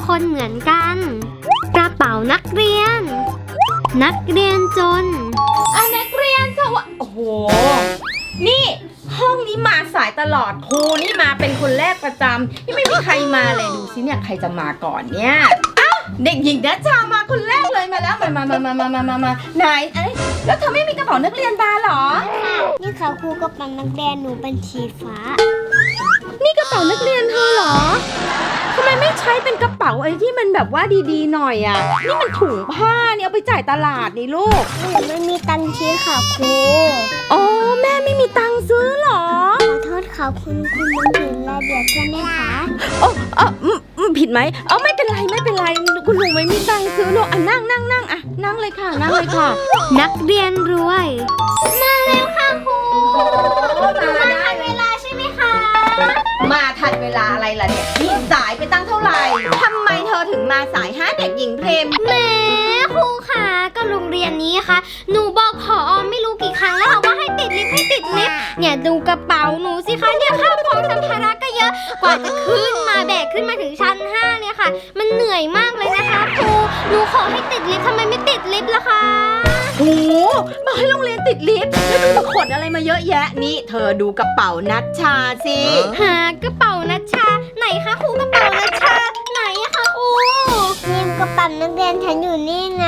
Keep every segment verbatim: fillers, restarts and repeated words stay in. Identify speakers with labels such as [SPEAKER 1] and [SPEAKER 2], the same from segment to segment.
[SPEAKER 1] คนเหมือนกันกระเป๋านักเรียนนักเรียนจน
[SPEAKER 2] อ่ะนักเรียนสวัสดีโอ้โหนี่ห้องนี้มาสายตลอดครูนี่มาเป็นคนแรกประจำยังไม่มีใครมาเลยดูสิเนี่ยใครจะมาก่อนเนี่ยอ้าวเด็กหญิงนัชชามาคนแรกเลยมาแล้วมามามามามามามามาไหนเอ้ยแล้วเธอไม่มีกระเป๋านักเรียนมาหรอ
[SPEAKER 1] นี่ค่ะครูกระเป๋านักเรียนหนูเป็นสีฟ้า
[SPEAKER 2] นี่กระเป๋านักเรียนเธอเหรอทำไมไม่ใช้เป็นกระเป๋าอะไรที่มันแบบว่าดีๆหน่อยอ่ะนี่มันถุงผ้าเนี่ยเอาไปจ่ายตลาดนี่ลูก
[SPEAKER 1] หนูไม่มีตังค์ซื้อค่ะครู
[SPEAKER 2] อ๋อแม่ไม่มีตังค์ซื้อหรอ
[SPEAKER 1] ขอโทษค่ะคุณคุณมันผิดระเบียบใช่ไหมคะ
[SPEAKER 2] โอ้เออผิดไหมเออไม่เป็นไรไม่เป็นไรคุณลุงไม่มีตังค์ซื้อหรอกอ่ะนั่งนั่งนั่งอ่ะนั่งเลยค่ะนั่งเลยค่ะ
[SPEAKER 1] นักเรียนรวยมาแล้วค่ะครูมาทันเวลาใช่ไหมคะ
[SPEAKER 2] มาทันเวลาอะไรล่ะเนี่ยนี่สายไปตั้งเท่าไหร่ทำไมเธอถึงมาสายฮะเด็กหญิงเพรม
[SPEAKER 1] แหมครูค่ะก็โรงเรียนนี้ค่ะหนูบอกผอไม่รู้กี่ครั้งแล้วค่ะว่าให้ติดลิฟต์ให้ติดลิฟต์เนี่ยดูกระเป๋าหนูสิคะเนี่ยข้าวของสัมภาระก็เยอะกว่าจะขึ้นมาแบกขึ้นมาถึงชั้นห้าเนี่ยค่ะมันเหนื่อยมากเลยนะคะครูหนูขอให้ติดลิฟต์ทำไมไม่ติดลิฟต์ล่ะคะ
[SPEAKER 2] โอ้โหมาให้โรงเรียนติดลิฟต์แล้วดูมาขนอะไรมาเยอะแยะนี่เธอดูกระเป๋านัชชาสิ
[SPEAKER 1] หากระเป๋านัชชาไหนคะครูกระเป๋านัชชาไหนอะคะครูนี่กระเป๋านักเรียนฉันอยู่นี่ไง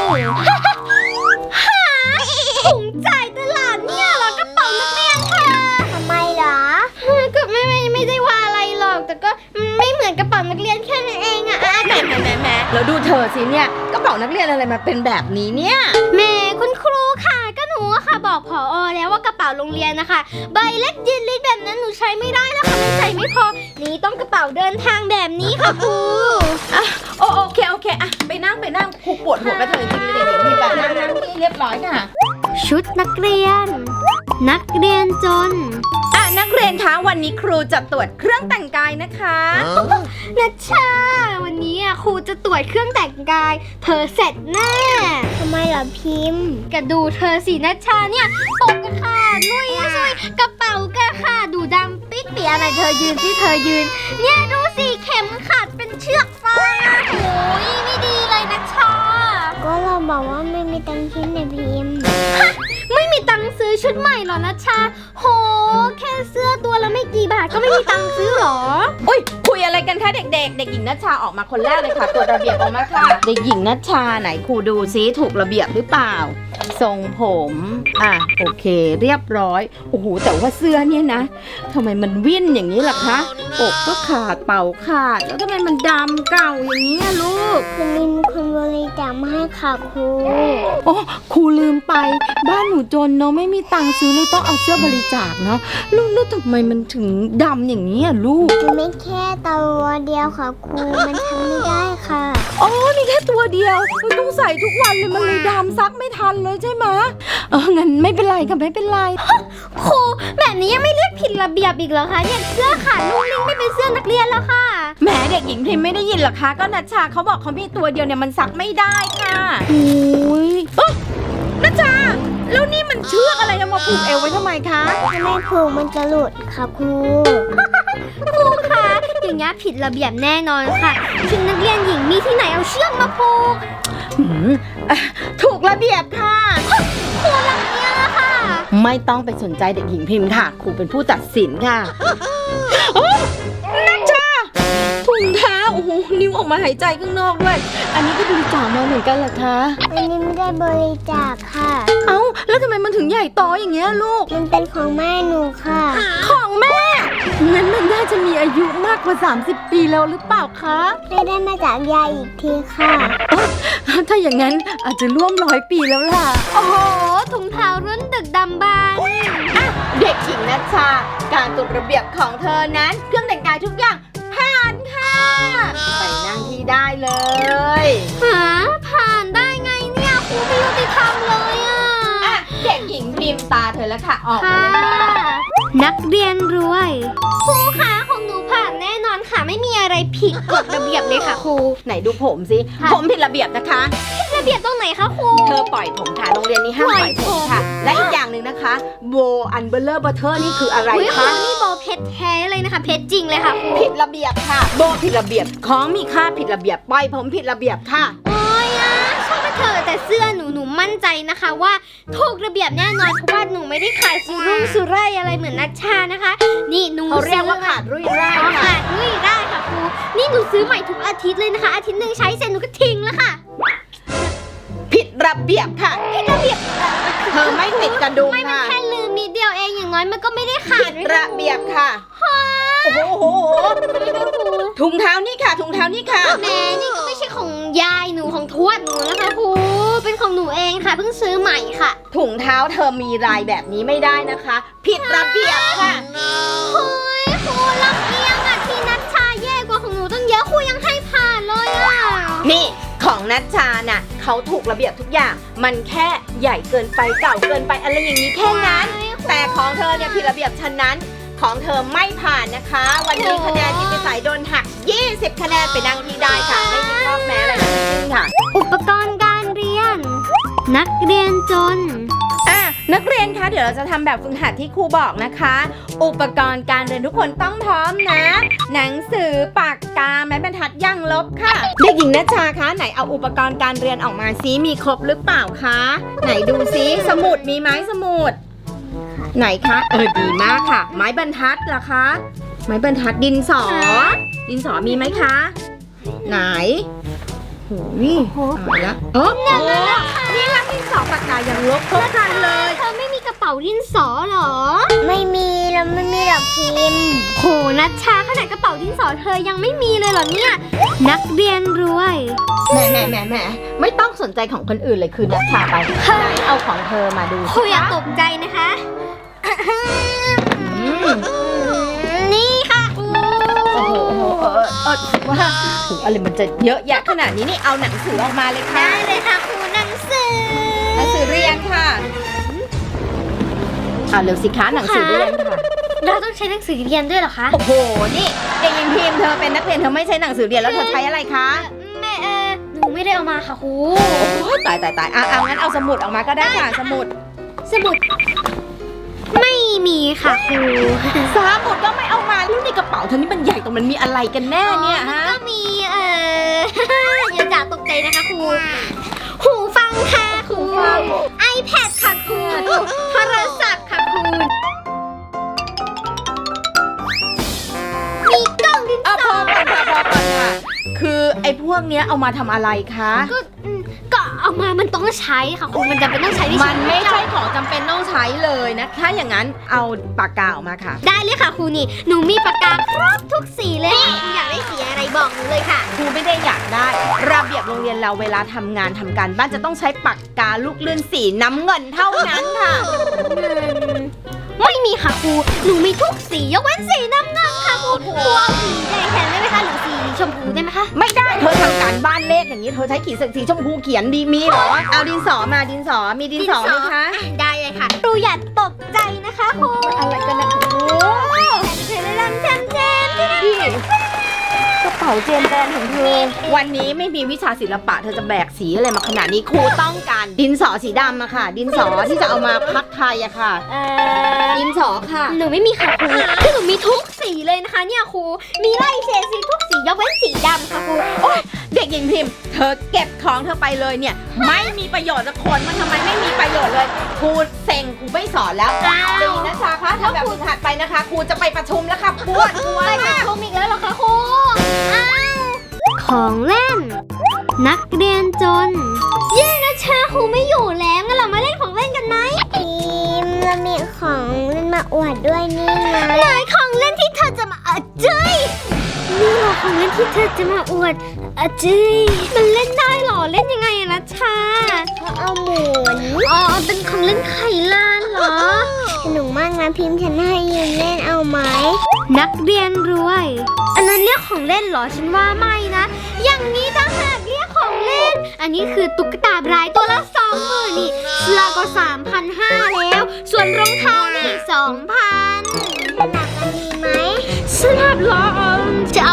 [SPEAKER 1] หาถุงจ่ายตลาดเนี่ยเหรอกระเป๋านักเรียนค่ะทำไมเหรอก็ไม่ไม่ไม่ได้ว่าอะไรหรอกแต่ก็ไม่เหมือนกระเป๋านักเรียนแค่นั้นเองอะแหม
[SPEAKER 2] แหมแหมแหมแล้วดูเธอสิเนี่ยกระเป๋านักเรียนอะไรมาเป็นแบบนี้เนี่ย
[SPEAKER 1] แม่คุณครูค่ะก็หนูค่ะบอกผอแล้วว่ากระเป๋าโรงเรียนนะคะใบเล็กยืนลิดแบบนั้นหนูใช้ไม่ได้แล้วค่ะมันใส่ไม่พอนี่ต้องกระเป๋าเดินทางแบบนี้ค่ะครู
[SPEAKER 2] อ่ะโอเคโอเคอ่ะไปนั่งไปนั่งครูปวดหัวกระเทยจริงเลยเดี๋ยวพี่แบบนั่งนั่งที่เรียบร้อยค่ะ
[SPEAKER 1] ชุดนักเรียนนักเรียนจน
[SPEAKER 2] อ่ะนักเรียนคะวันนี้ครูจะตรวจเครื่องแต่งกายนะคะ
[SPEAKER 1] นัชชาวันนี้ครูจะตรวจเครื่องแต่งกายเธอเสร็จแน่ทำไมล่ะพิมพ์กระดูเธอสินัชชาเนี่ยปกกระขาดลุยช่วยกระเป๋ากระขาดดูดำปิ๊กเปียอะไรเธอยืนที่เธอยืนเนี่ยดูสิเข็มขัดเป็นเชือกฟางโอ้ยไม่ดีเลยนัชชาก็เราบอกว่าไม่มีตังค์ชิ้นในพิมพ์ไม่มีตังค์ซื้อชุดใหม่หรอนัชชาโหแค่เสื้อตัวละไม่กี่บาทก็ไม่มีตังค์ซื้อหรอ
[SPEAKER 2] อุ้ยคุยอะไรกันคะเด็กๆเด็กหญิงนัชชาออกมาคนแรกเลยค่ะตัวระเบียบออกมาค่ะเด็กหญิงนัชชาไหนครูดูซิถูกระเบียบหรือเปล่าทรงผมอ่ะโอเคเรียบร้อยโอ้โหแต่ว่าเสื้อเนี่ยนะทำไมมันวิ่นอย่างนี้ล่ะคะอกก็ขาดเป่าขาดแล้วทำไมมันดำเก่าอย่างนี้ลูก
[SPEAKER 1] มันมีคนบริจาคมาให้ค่ะครู
[SPEAKER 2] โอ้ครูลืมไปบ้านหนูจนเนาะไม่มีตังค์ซื้อเลยต้องเอาเสื้อบริจาคเนาะลูกแล้วทำไมมันถึงดำอย่างนี้อ่ะลูก
[SPEAKER 1] มันไม่แค่ตัวเดียวค่ะครูมันทำไม่ได้ค่ะ
[SPEAKER 2] อ๋อมีแค่ตัวเดียวมันต้องใส่ทุกวันเลยมันเลยดำซักไม่ทันเลยใช่ไหมเอองั้นไม่เป็นไรค่ะไม่เป็นไร
[SPEAKER 1] ครูแบบนี้ยังไม่เรียกผิดระเบียบอีกเหรอคะเนี่ยเสื้อขาดนุ่งนิ่งไม่เป็นเสื้อนักเรียนแล้วค่ะ
[SPEAKER 2] แหมเด็กหญิงพิมไม่ได้ยินหรอคะก็นัชชาเขาบอกเขามีตัวเดียวเนี่ยมันซักไม่ได้ค่ะ
[SPEAKER 1] โอ้ย
[SPEAKER 2] นัชชาแล้วนี่มันเชือกอะไรเอามาผูกเอวไว้ทำไมคะ
[SPEAKER 1] ถ้าไม่ผูกมันจะหลุดค่ะครูครูคะอย่างนี้ผิดระเบียบแน่นอนค่ะชุดนักเรียนหญิงมีที่ไหนเอาเชือกมาผูก
[SPEAKER 2] ถูกระเบียบค่ะ
[SPEAKER 1] ครูรังเกียจค่ะ
[SPEAKER 2] ไม่ต้องไปสนใจเด็กหญิงพิมพ์ค่ะครูเป็นผู้ตัดสินค่ะนัชชาถุงเท้าโอ้โหนิ้วออกมาหายใจข้างนอกด้วยอันนี้ก็บริจาคมาเหมือนกันเหรอคะ
[SPEAKER 1] อันนี้ไม่ได้บริจาคค่ะ
[SPEAKER 2] เอ้าแล้วทำไมมันถึงใหญ่โตอย่างเงี้ยลูก
[SPEAKER 1] มันเป็นของแม่หนูค่ะ
[SPEAKER 2] ของแม่งั้นมันน่าจะมีอายุมากกว่าสามสิบปีแล้วหรือเปล่าคะ
[SPEAKER 1] ไม่ได้มาจากยายอีกทีค่ะ
[SPEAKER 2] ถ้าอย่างนั้นอาจจะร่วมร้อยปีแล้วล่ะ
[SPEAKER 1] โอ้โหถุงเท้ารุ่นดึกดำบรรพ์
[SPEAKER 2] เด็กหญิงนัชชาการตรวจระเบียบของเธอนั้นเครื่องแต่งกายทุกอย่างผ่านค่ะไปนั่งที่ได้เลย
[SPEAKER 1] หาผ่านได้ไงเนี่ยครูไม่ยุติธรรมเลยอ่ะ
[SPEAKER 2] เด็กหญิงพิมตาเธอแล้วค่ะออกมาเลยค่ะ
[SPEAKER 1] นักเรียนรวยครูคะของหนูผ่านแน่นอนค่ะไม่ไม่มีอะไรผิดกฎระเบียบเลยค่ะครู
[SPEAKER 2] ไหนดูผมสิ
[SPEAKER 1] ค่ะ
[SPEAKER 2] ผมผิดระเบียบนะคะ
[SPEAKER 1] ระเบียบตรงไหนคะครู
[SPEAKER 2] เธอปล่อยผมค่ะโรงเรียนนี้ห้ามปล่อยผมค่ะ และอีกอย่างหนึ่งนะคะโบอันเบลเลอร์บัตเตอร์นี่คืออะไร
[SPEAKER 1] อุ๊ยครู
[SPEAKER 2] คะ
[SPEAKER 1] นี่โบเพชรแท้เลยนะคะเพชรจริงเลยค่ะครู
[SPEAKER 2] ผิดระเบียบค่ะ โบผิดระเบียบของมีค่าผิดระเบียบปล่อยผมผิดระเบียบค่ะ
[SPEAKER 1] โอ้ยอะช่างมันเถอะแต่เสื้อหนูหนูมั่นใจนะคะว่าถูกระเบียบแน่นอนเพราะว่าหนูไม่ได้ขายสุรุ่งสุร่ายอะไรเหมือนนัชชานะคะ นี่หนู
[SPEAKER 2] เขาเรียกว่า
[SPEAKER 1] ซื้อ
[SPEAKER 2] ขาดรุ่ยร่าย
[SPEAKER 1] อ๋อ
[SPEAKER 2] ค่ะ
[SPEAKER 1] ขาดรุ่ยได้ค่ะครูนี่หนูซื้อใหม่ทุกอาทิตย์เลยนะคะ อาทิตย์หนึ่งใช้เสร็จหนูก็ทิ้งแล้วค่ะ
[SPEAKER 2] ผิดระเบียบค่ะ
[SPEAKER 1] ผิดระเบียบ
[SPEAKER 2] เธอไม่ติดกระดุม
[SPEAKER 1] ไม่มัน
[SPEAKER 2] ค่ะ
[SPEAKER 1] แค่ลืมนิดเดียวเองอย่างน้อยมันก็ไม่ได้ขาด
[SPEAKER 2] ผิดระเบียบค่ะ โอ้โหโอ้โหถุงเท้านี่ค่ะ ถุงเท้านี่ค่ะ
[SPEAKER 1] แม่นี่ก็ไม่ใช่ของยายหนูของทวดหนูนะคะครูเป็นของหนูเองค่ะเพิ่งซื้อใหม่ค่ะ
[SPEAKER 2] ถุงเท้าเธอมีลายแบบนี้ไม่ได้นะคะ ผิดระเบียบค่ะ
[SPEAKER 1] เฮ้ยครูลำเอียงอะที่นัชชาแย่กว่าของหนูตั้งเยอะครูยังให้ผ่านเลยอะ
[SPEAKER 2] นี่ของนัชชาน่ะเขาถูกระเบียบทุกอย่าง มันแค่ใหญ่เกินไปเก่าเกินไปอะไรอย่างนี้แค่นั้น แต่ของเธอเนี่ยผิดระเบียบฉะนั้นของเธอไม่ผ่านนะคะ วันนี้คะแนนที่ไปใส่โดนหัก ยี่สิบ คะแนนไปนั่งที่ได้ค่ะ ไม่มีข้อแม้อะไรทั้งสิ้นค่ะ
[SPEAKER 1] อุปกรณ์การเรียน นักเรียนจน
[SPEAKER 2] อ่ะนักเรียนคะเดี๋ยวเราจะทำแบบฝึกหัดที่ครูบอกนะคะ อุปกรณ์การเรียนทุกคนต้องพร้อมนะ หนังสือปากกาไม้บรรทัดย่างลบค่ะเด็กหญิงนัชชาคะไหนเอาอุปกรณ์การเรียนออกมาซิมีครบหรือเปล่าคะไหนดูซิสมุดมีไหมสมุดไหนคะเออดีมากค่ะ ไม้บรรทัดล่ะคะไม้บรรทัดดินสอ ดินสอมีไหมคะ ไหนโหนี่ตายละเออโอ้นี่ค่ะดินสอปากกายังลบครบครันเลย
[SPEAKER 1] เธอไม่มีกระเป๋าดินสอเหรอ
[SPEAKER 3] ไม่มีแล้วไม่มีหรอกพิมพ์
[SPEAKER 1] โหนัชชาขนาดกระเป๋าดินสอเธอยังไม่มีเลยเหรอเนี่ย นักเรียนรวย
[SPEAKER 2] แหมแหมแหมแหมไม่ต้องสนใจของคนอื่นเลยคือนัชชาไปไหนเอาของเธอมาดู
[SPEAKER 1] ครูอย่าตกใจนะคะ
[SPEAKER 2] อืม
[SPEAKER 1] นี่ค่ะครู
[SPEAKER 2] โอ้โหโอ้โหเออเออว่าโหอะไรมันจะเยอะแยะขนาดนี้นี่เอาหนังสือออกมาเลยค่ะ
[SPEAKER 1] ได้เลยค่ะครูหนังสือ
[SPEAKER 2] หนังสือเรียนค่ะเอาเร็วสิคะหนังสือเรียนค่ะ
[SPEAKER 1] เราต้องใช้หนังสือเรียนด้วยเหรอคะ
[SPEAKER 2] โอ้โหนี่เด็กหญิงพิมพ์เธอเป็นนักเรียนเธอไม่ใช้หนังสือเรียนแล้วเธอใช้อะไรคะ
[SPEAKER 1] แม่เออหนูไม่ได้เอามาค่ะครู
[SPEAKER 2] โอ้ยตายตายตายอ่ะเอางั้นเอาสมุดออกมาก็ได้ค่ะสมุด
[SPEAKER 1] สมุด ไม่มีค่ะครู
[SPEAKER 2] สมุดก็ไม่เอามาแล้วในกระเป๋าเธอนี่มันใหญ่ตรงมันมีอะไรกันแน่เนี่ย
[SPEAKER 1] อ๋อมัน
[SPEAKER 2] ฮะ
[SPEAKER 1] ก็มีเออ อย่าจ่าตกใจนะคะครู หูฟังค่ะครู iPad ค่ะครูโทรศัพท์ค่ะครู มีกล้องดิน
[SPEAKER 2] อ่ะ
[SPEAKER 1] ส
[SPEAKER 2] พ
[SPEAKER 1] อ
[SPEAKER 2] อก่อนค่ะพอก่อนค่ะคือไอ้พวกเนี้ยเอามาทำอะไรคะ
[SPEAKER 1] ก็อืมก็เอามามันต้องใช้ค่ะครูมันจำเป็นต้องใช้ในชี
[SPEAKER 2] มั
[SPEAKER 1] วิ
[SPEAKER 2] น
[SPEAKER 1] ต
[SPEAKER 2] ไม่ใช่ของจำเป็นต้องใช้เลยนะคะ อย่างนั้นเอาปากกาออกมาค่ะ
[SPEAKER 1] ได้เลยค่ะครูนี่ หนูมีปากกาครบทุกสีเลยค่ะครูอยากได้สีอะไรบอกหนูเลยค่ะ
[SPEAKER 2] ครูไม่ได้อยากได้ ระเบียบโรงเรียนเราเวลาทำงานทำการบ้านจะต้องใช้ปากกาลูกเลื่อนสีน้ำเงินเท่านั้นค่ะ
[SPEAKER 1] ไม่มีค่ะครู หนูมีทุกสียกเว้นสีน้ำเงินค่ะครูครูเอาสีแดงแทนได้ไหมคะหรือสีชมพูได้ไหมคะ
[SPEAKER 2] ไม่ได้เธอทำการบ้านเลขอย่างนี้เธอใช้ขีดสีชมพูเขียนดีมีเหรอเอาดินสอมาดินสอมีดินสอไหมคะ
[SPEAKER 1] อ่ได้เลยค่ะครูอย่าตกใจนะคะครู
[SPEAKER 2] อะไรกันนะโอ้
[SPEAKER 1] เจนเจนเจนเจน
[SPEAKER 2] พี่กระเป๋าเจนแดนของเธอวันนี้ไม่มีวิชาศิลปะเธอจะแบกสีอะไรมาขนาดนี้ครูต้องการดินสอสีดำอะค่ะ ดินสอที่จะเอามาพักไทยอะค่ะ
[SPEAKER 1] เอ่อ
[SPEAKER 2] ดินสอค่ะ
[SPEAKER 1] หนูไม่มีค่ะครูคือหนูมีทุกสีเลยนะคะเนี่ยครู มีไล่เฉดสีทุกสียกเว้นสีดำค่ะครู
[SPEAKER 2] โอ๊ยเด็กหญิงพิมพ์เธอเก็บของเธอไปเลยเนี่ย ไม่มีประโยชน์สักคนมันทำไมไม่มีประโยชน์เลยครูเซ็งครูไม่สอนแล้ว
[SPEAKER 1] อ้าว
[SPEAKER 2] ดีนะจ๊ะคะทำแบบฝึกหัดไปนะคะครูจะไปประชุมแล้วค่ะปวดหัว
[SPEAKER 1] ไปกับ
[SPEAKER 2] มาก
[SPEAKER 1] ครูอีกแล้วเหรอคะครูอ้าวของเล่น นักเรียนจน เย้นะชาครูไม่อยู่แล้วงั้นเรามาเล่นของเล่นกันไหม
[SPEAKER 3] พิมพ์เรามีของเล่นมาอวดด้วยนี่ไง
[SPEAKER 1] ไหนของเล่นที่เธอจะมาอะเจ้ยนี่เหรอของเล่นที่เธอจะมาอวดอะเจ้ยมันเล่นได้เหรอเล่นยังไงอะนะชา
[SPEAKER 3] เขาเอาหมุน
[SPEAKER 1] อ๋อเป็นของเล่นไขลานเหรอ
[SPEAKER 3] สนุกมากนะพิมพ์ฉันให้ยืมเล่นเอาไหม
[SPEAKER 1] นักเรียนรวย อันนั้นเรียกของเล่นเหรอฉันว่าไม่นะ อย่างนี้ต่างหากเรียกของเล่น อันนี้คือตุ๊กตาบรายตัวละสองหมื่นนี่เสื้อก็สามพันห้าแล้ว ส่วนรองเท้านี่สองพัน
[SPEAKER 3] สลับกันดีไหม
[SPEAKER 1] สลับเหรอเออจะเอาของเธอ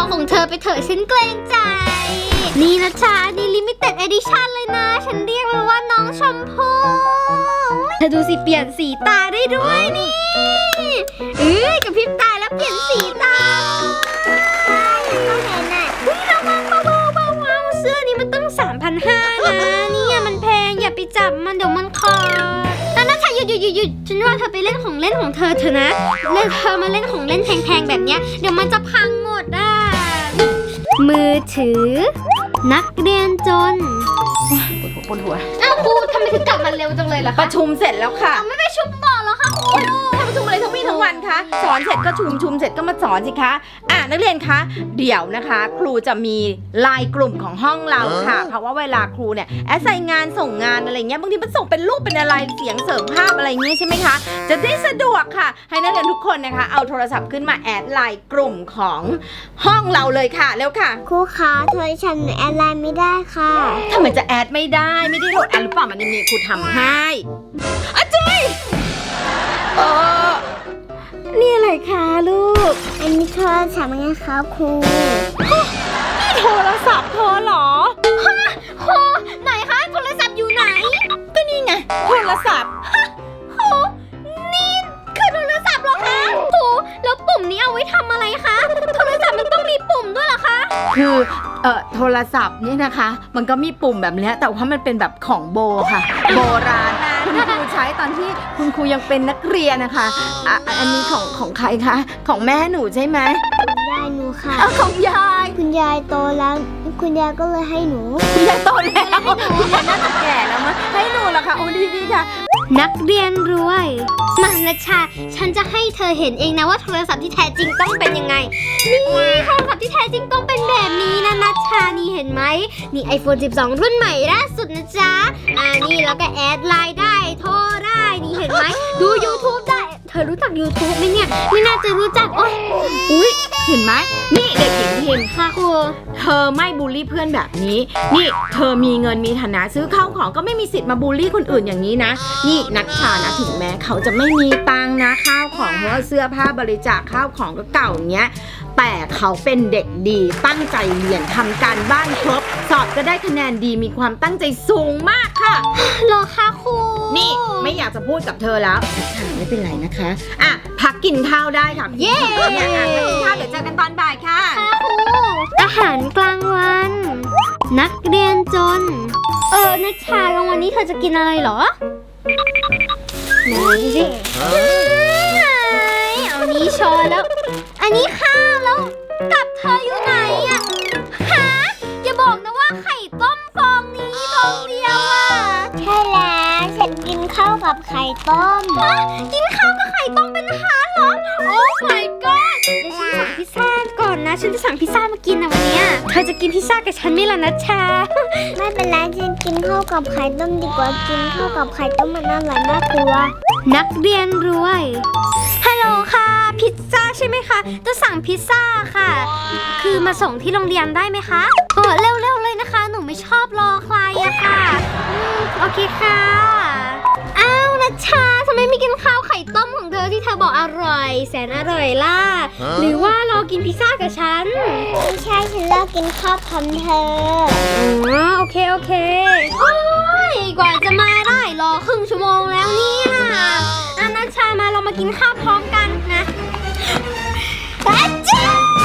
[SPEAKER 1] อไปเถอะฉันเกรงใจ นี่นะชานี่ลิมิเต็ดเอดิชั่นเลยนะ ฉันเรียกมันว่าน้องชมพู่เธอดูสิเปลี่ยนสีตาได้ด้วยนี่เอ้ยกับพริบตาแล้วเปลี่ยนสีตาต้องเห็นอ่ะอุ้ยระวังเบาๆเบาๆเสื้อนี้มันตั้ง สามพันห้าร้อย นะเนี่ยมันแพงอย่าไปจับมันเดี๋ยวมันขาดแล้วนะชาหยุดหยุดหยุดหยุดฉันว่าเธอไปเล่นของเล่นของเธอเถอะนะเล่นเธอมาเล่นของเล่นแพงๆแบบเนี้ยเดี๋ยวมันจะพังหมดอ่ะมือถือนักเรียนจน
[SPEAKER 2] ปวดหัว
[SPEAKER 1] อ้าวครูทำไมถึงกลับมาเร็วจังเลยล่ะ
[SPEAKER 2] ป
[SPEAKER 1] คะ
[SPEAKER 2] ระชุมเสร็จแล้วค่ะ
[SPEAKER 1] ไม่ไปชุบต่อแล้วค่ะครู
[SPEAKER 2] ทำประชุมอะไรทั้งวี่ทั้งวันคะสอนเสร็จก็ชุมชุมเสร็จก็มาสอนสิคะอ่ะนักเรียนคะเดี๋ยวนะคะ ครูจะมีไลน์กลุ่มของห้องเราค่ะ เพราะว่าเวลาครูเนี่ยแอสไซน์งานส่งงานอะไรเงี้ยบางทีมันส่งเป็นรูปเป็นอะไรเสียงเสริมภาพอะไรเงี้ยใช่ไหมคะจะได้สะดวกค่ะ ให้นักเรียนทุกคนนะคะเอาโทรศัพท์ขึ้นมาแอดไลน์กลุ่มของห้องเราเลยค่ะเร็วค่ะ
[SPEAKER 3] ครูคะโทรฉันแอดไลน์ไม่ได้ค่ะ
[SPEAKER 2] ทำไมจะแอดไม่ได้ไม่ได้โหลดแอดหรือเปล่ามันมีครูทำให้อาจารย์เออนี่อะไรคะลูก
[SPEAKER 3] อันนี้โทรศัพท์ไงคะครู
[SPEAKER 2] นี่โทรศัพท์เธอเหรอ
[SPEAKER 1] ครูไหนคะโทรศัพท์อยู่ไหน
[SPEAKER 2] ก็นี่ไงโทรศัพท์
[SPEAKER 1] ครูนี่คือโทรศัพท์เหรอคะครูแล้วปุ่มนี้เอาไว้ทำอะไรคะโทรศัพท์มันต้องมีปุ่มด้วยเหรอคะ
[SPEAKER 2] คือเอ่อโทรศัพท์เนี่ยนะคะ มันก็มีปุ่มแบบเนี้ยแต่ว่ามันเป็นแบบของโบค่ะ โบราณคุณครูใช้ตอนที่คุณครูยังเป็นนักเรียนนะคะอ่ะอันนี้ของของใครคะของแม่หนูใช่ไหม
[SPEAKER 3] คุณยายหนูค่ะ
[SPEAKER 2] เอาของยาย
[SPEAKER 3] คุณยายโตแล้ว คุณยายก็เลยให้หนู
[SPEAKER 2] คุณยายโตแล้วคุณยายน่าจะแก่แล้วมั้งให้หนูละค่ะโอ้ดีดีค่ะ
[SPEAKER 1] นักเรียนรวยมานะชาฉันจะให้เธอเห็นเองนะว่าโทรศัพท์ที่แท้จริงต้องเป็นยังไงนี่โทรศัพท์ที่แท้จริงต้องเป็นแบบนี้นะนัชชานี่เห็นไหมนี่ ไอโฟน สิบสอง รุ่นใหม่ล่าสุดนะจ๊ะอ่านี่แล้วก็แอดไลน์ได้โทรได้นี่เห็นไหมดู YouTube ได้เธอรู้จัก YouTube ไหมเนี่ยไม่น่าจะรู้จักโอ๊ย
[SPEAKER 2] อุ๊ยเห็นไหมนี่เด็กหญิงพิมพ์
[SPEAKER 1] ค่ะครู
[SPEAKER 2] เธอไม่บูลลี่เพื่อนแบบนี้ นี่เธอมีเงินมีฐานะซื้อข้าวของก็ไม่มีสิทธิ์มาบูลลี่คนอื่นอย่างนี้นะ นี่นักชานะถึงแม้เขาจะไม่มีตังค์นะข้าวของเพราะว่าเสื้อผ้าบริจาคข้าวของก็เก่าอย่างเงี้ยแต่เขาเป็นเด็กดีตั้งใจเรียนทำการบ้านครบสอบก็ได้คะแนนดีมีความตั้งใจสูงมากค่ะ
[SPEAKER 1] เหรอคะครู
[SPEAKER 2] นี่ไม่อยากจะพูดกับเธอแล้วค่ะไม่เป็นไรนะคะอ่ะพักกินข้าวได้ค่ะ
[SPEAKER 1] เย้
[SPEAKER 2] เนี่ยอ่ะพักกินข้าวเดี๋ยวเจอกันตอนบ่ายค่ะ
[SPEAKER 1] ค่ะครูอาหารกลางวัน นักเรียนจน เออนัชชากลางวันนี้เธอจะกินอะไรเหรอไหนดูสิไหนเอานี้ช้อนแล้ว อันนี้ข้าวแล้วกับเธออยู่ไหนอะฮะอย่าบอกนะว่าไข่ต้มฟองนี้ฟองเดียวอะ
[SPEAKER 3] ใช่แล้วฉันกินข้าวกับไข่ต้ม
[SPEAKER 1] ฮะกินข้าวกับไข่ต้มเป็นอาหารเหรอ โอ้ my god เดี๋ยวฉันสั่งพิซซ่าก่อนนะ ฉันจะสั่งพิซซ่ามากินนะวันเนี้ยเธอจะกินพิซซ่ากับฉันไหมล่ะนัชชา
[SPEAKER 3] ไม่เป็นไรฉันกินข้าวกับไข่ต้มดีกว่ากินข้าวกับไข่ต้มมันอร่อยมากกว่า
[SPEAKER 1] นักเรียนรวย ฮัลโหลค่ะ พิซซ่าใช่ไหมคะ จะสั่งพิซซ่าค่ะ คือมาส่งที่โรงเรียนได้ไหมคะเออเร็วๆเลยนะคะ หนูไม่ชอบรอใครอะค่ะอืมโอเคค่ะ อ้าวนัชชาทำไมไม่กินข้าวไข่ต้มของเธอที่เธอบอกอร่อย แสนอร่อยล่ะ หรือว่ารอกินพิซซ่ากับฉัน
[SPEAKER 3] ไม่ใช่ฉันเลิกกินข้าวพร้อมเธอ
[SPEAKER 1] อ๋อโอเคโอเค โอ้ยกว่าจะมาได้รอครึ่งชั่วโมงแล้วเนี่ยอานัชชามาเรามากินข้าวพร้อมกันนะอาจารย์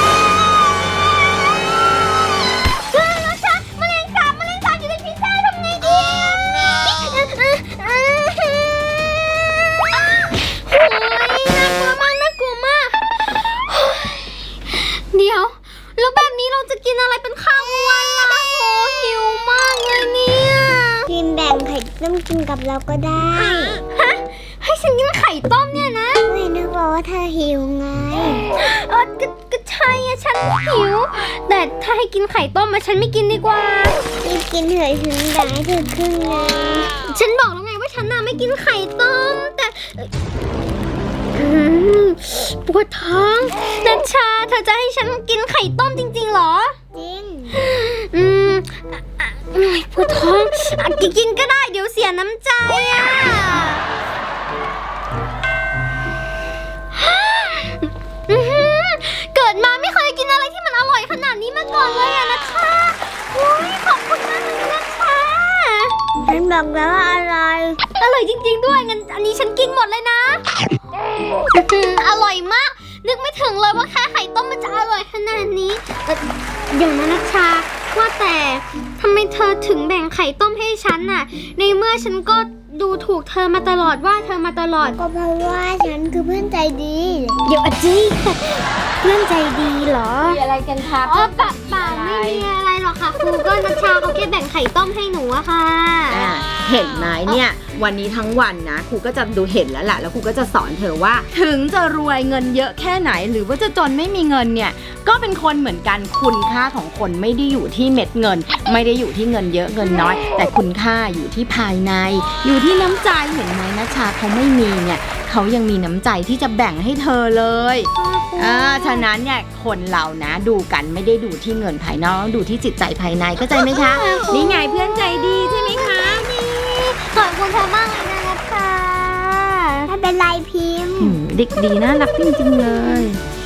[SPEAKER 1] เฮ้ยนัชชาแมลงสาบแมลงสาบอยู่ในพิซซ่าทำไงดีโอ้ยน่ากลัวมากน่ากลัวมากเดี๋ยวแล้วแบบนี้เราจะกินอะไรเป็นข้าววันล่ะโอ้หิวมากเลยเนี่ย
[SPEAKER 3] พิมแบ่งไข่ต้มกินกับเราก็ได้
[SPEAKER 1] ฮะให้ฉันกินไข่ต้มเนี่ยนะ
[SPEAKER 3] ไม่นึกว่าเธอหิวไง
[SPEAKER 1] เออก็ก็ใช่อะฉันหิว แต่ถ้าให้กินไข่ต้มมาฉันไม่กินดีกว่า
[SPEAKER 3] รีบกินเถอะฉันแบ่งให้เธอครึ่งนึง
[SPEAKER 1] ฉันบอกแล้วไงว่าฉันน่ะไม่กินไข่ต้ม แต่อืมปวดท้องนัชชาเธอจะให้ฉันกินไข่ต้มจริงๆเหรอ
[SPEAKER 3] จริง
[SPEAKER 1] อืมอ่ะอ่ะโอ๊ยปวดท้องอ่ะกินก็ได้เดี๋ยวเสียน้ำใจอ่ะอื้อหือเกิดมาไม่เคยกินอะไรที่มันอร่อยขนาดนี้มา
[SPEAKER 3] บอกแล้วว่าอร่อย
[SPEAKER 1] อร่อยจริงๆด้วยงั้นอันนี้ฉันกินหมดเลยนะ อร่อยมาก นึกไม่ถึงเลยว่าแค่ไข่ต้มมันจะอร่อยขนาดนี้เอ่อเดี๋ยวนะนัชชาว่าแต่ทำไมเธอถึงแบ่งไข่ต้มให้ฉันน่ะ ในเมื่อฉันก็ดูถูกเธอมาตลอดว่าเธอมาตลอด
[SPEAKER 3] ก็เพราะว่าฉันคือเพื่อนใจดี
[SPEAKER 1] เดี๋ยวอาจีเพื่อนใจดีเหรอ
[SPEAKER 2] มีอะไรกันคะ
[SPEAKER 1] อ๋อปะป่าไม่มีอะไรหรอกค่ะครูก็นัชชาเขาแค่แบ่งไข่ต้มให้หนูอะค่ะ
[SPEAKER 2] อ่าเห็นไหมเนี่ยวันนี้ทั้งวันนะครูก็จะดูเห็นแล้วแหละแล้วครูก็จะสอนเธอว่า ถึงจะรวยเงินเยอะแค่ไหน หรือว่าจะจนไม่มีเงินเนี่ยก็เป็นคนเหมือนกันคุณค่าของคนไม่ได้อยู่ที่เม็ดเงิน ไม่ได้อยู่ที่เงินเยอะเงินน้อย แต่คุณค่าอยู่ที่ภายใน อยู่ที่น้ำใจเห็นไหมนัชชาเขาไม่มีเนี่ยเขายังมีน้ำใจที่จะแบ่งให้เธอเลยอ่าฉะนั้นเนี่ยคนเรานะดูกันไม่ได้ดูที่เงินภายนอกดูที่จิตใจภายในเข้าใจไหมคะนี่ไงเพื่อนใจดีใช่ไหมคะ
[SPEAKER 1] ขอบคุณเธอมากเลยนะนัชชา
[SPEAKER 3] ไม่เป็นไรพิมพ์
[SPEAKER 2] อืมเด็กดีน่ารักจริงๆเลย
[SPEAKER 3] พ